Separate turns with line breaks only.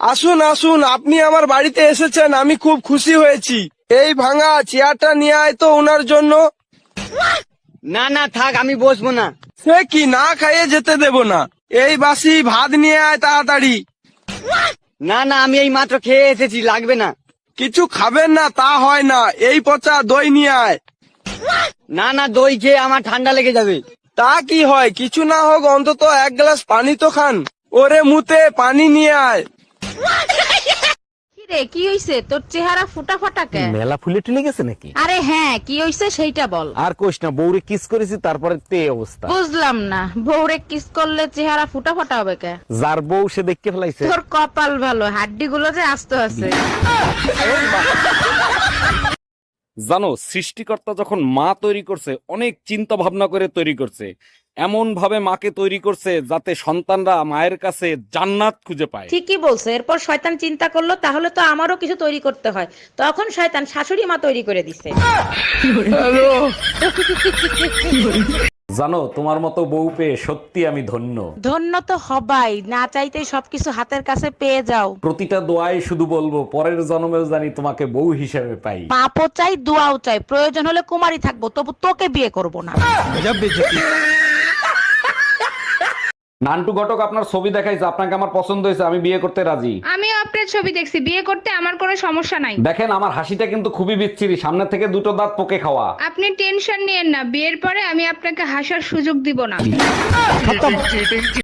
আসুন আসুন, আপনি আমার বাড়িতে এসেছেন, আমি খুব খুশি হয়েছি। এই ভাঙা চেয়ারটা নিয়ে আয় তো ওনার জন্য।
না না থাক, আমি বসবো না।
সে কি, না খাইয়ে যেতে দেব না। এই বাসি ভাত নিয়ে আয় তাড়াতাড়ি।
না না, আমি এই মাত্র খেয়ে এসেছি, লাগবে না।
কিছু খাবেন না তা হয় না, এই পচা দই নিয়ে আয়।
না না, দই খেয়ে আমার ঠান্ডা লেগে যাবে।
তা কি হয়, কিছু না হোক অন্তত এক গ্লাস পানি তো খান। ওরে মুতে পানি নিয়ে আয়।
রে কি হইছে তোর চেহারা ফুটা ফাটা কে?
মেলা ফুলে টুলে গেছে নাকি?
আরে হ্যাঁ, কি হইছে সেইটা বল।
আর কোশ না, বউরে কিস করেছি তারপরে তে অবস্থা।
বুঝলাম না, বউরে কিস করলে চেহারা ফুটা ফাটা হবে কে?
যার বউ সে দেখতে ফেলাইছে।
তোর কপাল ভালো, হাড্ডি গুলো যে আস্ত আছে।
জানো, সৃষ্টিকর্তা যখন মা তৈরি করছে অনেক চিন্তা ভাবনা করে তৈরি করছে। এমন ভাবে মাকে তৈরি করছে যাতে সন্তানরা মায়ের কাছে জান্নাত খুঁজে পায়।
ঠিকই বলছে। এরপর শয়তান চিন্তা করলো তাহলে তো আমারও কিছু তৈরি করতে হয়, তখন শয়তান শাশুড়ি মা তৈরি করে দিছে।
জানো, তোমার মতো বউ পেয়ে সত্যি আমি ধন্য।
ধন্য তো হবাই, না চাইতেই সবকিছু হাতের কাছে পেয়ে যাও।
প্রতিটা দোয়ায় শুধু বলবো পরের জন্মেও জানি তোমাকে বউ হিসেবে পাই।
পাপও চাই, দোয়াও চাই, প্রয়োজন হলে কুমারী থাকবো, তবু তোকে বিয়ে করব না।
নান্টু ঘটক আপনার ছবি দেখাইছে, আপনাকে আমার পছন্দ হয়েছে, আমি বিয়ে করতে রাজি।
আমিও আপনার ছবি দেখছি, বিয়ে করতে আমার কোনো সমস্যা নাই।
দেখেন আমার হাসিটা কিন্তু খুবই বিচ্ছিরি, সামনে থেকে দুটো দাঁত পোকে খাওয়া।
আপনি টেনশন নিয়েন না, বিয়ের পরে আমি আপনাকে হাসার সুযোগ দিব না।